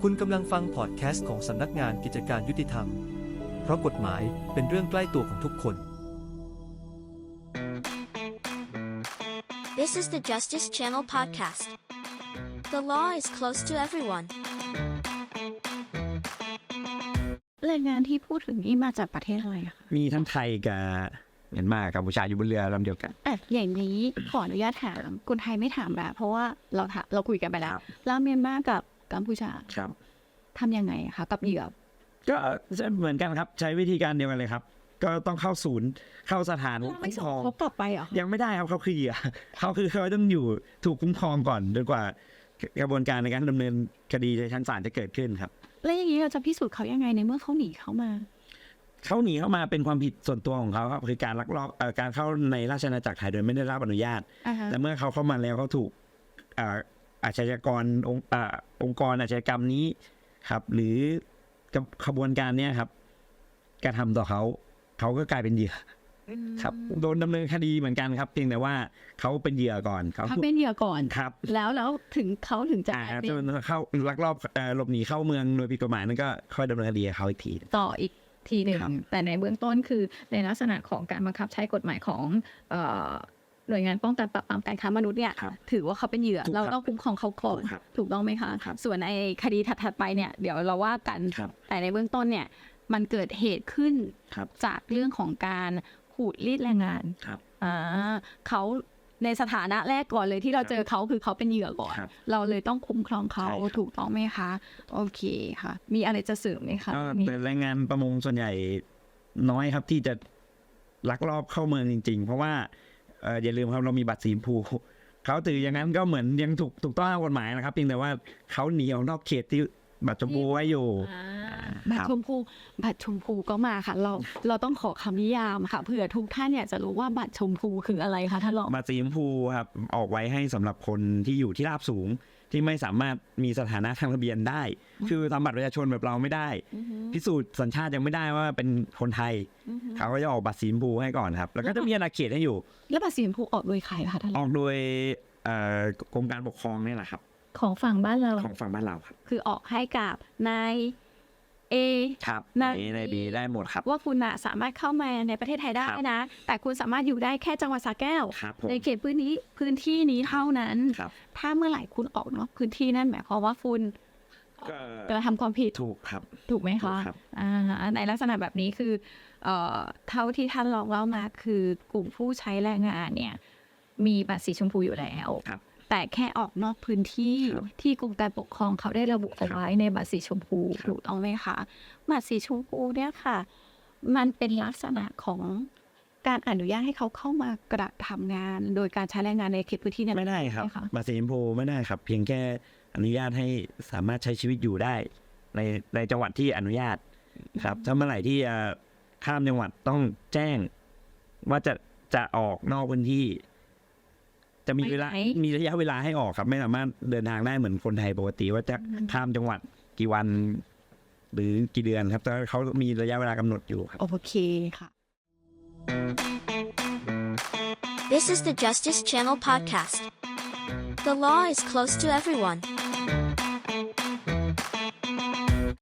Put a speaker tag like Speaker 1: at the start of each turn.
Speaker 1: คุณกำลังฟังพอดแคสต์ของสำนักงานกิจการยุติธรรม เพราะกฎหมายเป็นเรื่องใกล้ตัวของทุกคน
Speaker 2: This is the Justice Channel podcast. The law is close to everyone.
Speaker 3: แรงงานที่พูดถึงนี่มาจากประเทศอะไรคะ
Speaker 4: มีทั้งไทยกับเมียนมากัมพูชาอยู่บนเรือลำเดียวกัน
Speaker 3: อย่างนี้ขออนุญาตถามคนไทยไม่ถามแล้วเพราะว่าเราคุยกันไปแล้วแล้วเมียนมากับกัมพูชา
Speaker 4: ครับ
Speaker 3: ทำยังไงคะกับเหยื่อ
Speaker 4: ก็เหมือนกันครับใช้วิธีการเดียวกันเลยครับก็ต้องเข้าศูนย์เข้าสถาน
Speaker 3: ไม่
Speaker 4: คุ้ม
Speaker 3: ส่
Speaker 4: ครง อง
Speaker 3: เขากลับไปเหรอ
Speaker 4: ยังไม่ได้ครับเขาคือเหยื่อเขาต้องอยู่ถูกคุ้มครองก่อนจนกว่ากระบวนการในการดำเนินคดีในชั้นศาลจะเกิดขึ้นครับ
Speaker 3: แล้วอย่างนี้เราจะพิสูจน์เขายังไงในเมื่อเขาหนีเข้ามา
Speaker 4: เขาหนีเข้ามาเป็นความผิดส่วนตัวของเขาครับคือการลักลอบการเข้าในราชอาณาจักรไทยโดยไม่ได้รับอนุญาต แต่เมื่อเขาเข้ามาแล้วเขาถูกอาชญากรองค์กรอาชญากรรมนี้ครับหรือขบวนการเนี้ยครับกระทำต่อเขาก็กลายเป็นเหยื่อครับโดนดำเนินคดีเหมือนกันครับเพียงแต่ว่าเขาเป็นเหยื่อก่อน
Speaker 3: เขาเป็นเหยื่อก่อน
Speaker 4: ครับ
Speaker 3: แล้วถึงเขาถึงจะ
Speaker 4: เข้าลักลอบหลบหนีเข้าเมืองโดยผิดกฎหมายนั่นก็ค่อยดำเนินคดีเขาอีกที
Speaker 3: ต่ออีกทีหนึ่งแต่ในเบื้องต้นคือในลักษณะของการบังคับใช้กฎหมายของหน่วยงานป้องกันปราบปรามการค้ามนุษย์เนี่ยถือว่าเขาเป็นเหยื่อเราต้องคุ้มครองเขาก่อนถูกต้องไหมคะส่วนในคดีถัดไปเนี่ยเดี๋ยวเราว่ากันแต่ในเบื้องต้นเนี่ยมันเกิดเหตุขึ้นจากเรื่องของการขูดรีดแรงงานเขาในสถานะแรกก่อนเลยที่เราเจอเขาคือเขาเป็นเหยื่อก่อนเราเลยต้องคุ้มครองเขาถูกต้องไหมคะโอเคค่ะมีอะไรจะเสริมไหมคะ
Speaker 4: แต่แรงงานประมงส่วนใหญ่น้อยครับที่จะลักลอบเข้าเมืองจริงๆเพราะว่าอย่าลืมครับเรามีบัตรสีชมพูเขาถืออย่างนั้นก็เหมือนยังถูกต้องตามกฎหมายนะครับเพียงแต่ว่าเขาหนีออกนอกเขตที่บัตรชมพูไว้อยู่
Speaker 3: บัตรชมพูก็มาค่ะเราต้องขอคำนิยามค่ะเผื่อทุกท่านอยากจะรู้ว่าบัตรชมพูคืออะไรคะท่านรอง
Speaker 4: บัตรสีชมพูครับออกไว้ให้สำหรับคนที่อยู่ที่ราบสูงที่ไม่สามารถมีสถานะทางทะเบียนได้คือทำบัตรประชาชนแบบเราไม่ได้พิสูจน์สัญชาติยังไม่ได้ว่าเป็นคนไทยเขาก็จะออกบัตรสีชมพูให้ก่อนครับแล้วก็จะมีอาณาเขตให้อยู่
Speaker 3: แล้วบัตรสีชมพูออกโดยใครคะท่าน
Speaker 4: ออกโดยกรมการปกครองนี่แหละครับ
Speaker 3: ของฝั่งบ้านเรา
Speaker 4: ครับ
Speaker 3: คือออกให้กับนายเอ
Speaker 4: ครับนายบีได้หมดครับ
Speaker 3: ว่าคุณสามารถเข้ามาในประเทศไทยได้นะแต่คุณสามารถอยู่ได้แค่จังหวัดสระแก้วในเขตพื้นที่นี้เท่านั้นถ้าเมื่อไหร่คุณออกนอกพื้นที่นั่นหมายความว่าคุณกระทำความผิด
Speaker 4: ถูกครับ
Speaker 3: ถูกไหมคะในลักษณะแบบนี้คือเท่าที่ท่านลองเล่ามาคือกลุ่มผู้ใช้แรงงานเนี่ยมีบัตรสีชมพูอยู่แล้วแต่แค่ออกนอกพื้นที่ที่กรมการปกครองเขาได้ระบุเอาไว้ในบัตรสีชมพูถูกต้องไหมคะบัตรสีชมพูเนี่ยค่ะมันเป็นลักษณะของการอนุญาตให้เขาเข้ามากระทำงานโดยการใช้แรงงานในเขตพื้นที่นั้น
Speaker 4: ไม่ได้ครับบัตรสีชมพูไม่ได้ครับเพียงแค่อนุญาตให้สามารถใช้ชีวิตอยู่ได้ในจังหวัดที่อนุญาตครับถ้าเมื่อไหร่ที่ข้ามจังหวัดต้องแจ้งว่าจะออกนอกพื้นที่จะมีระยะเวลาให้ออกครับไม่สามารถเดินทางได้เหมือนคนไทยปกติว่าจะข้ามจังหวัดกี่วันหรือกี่เดือนครับแต่เขามีระยะเวลากำหนดอยู่ครับ
Speaker 3: โอเคค่ะ
Speaker 2: This is the Justice Channel podcast. The law is close to everyone.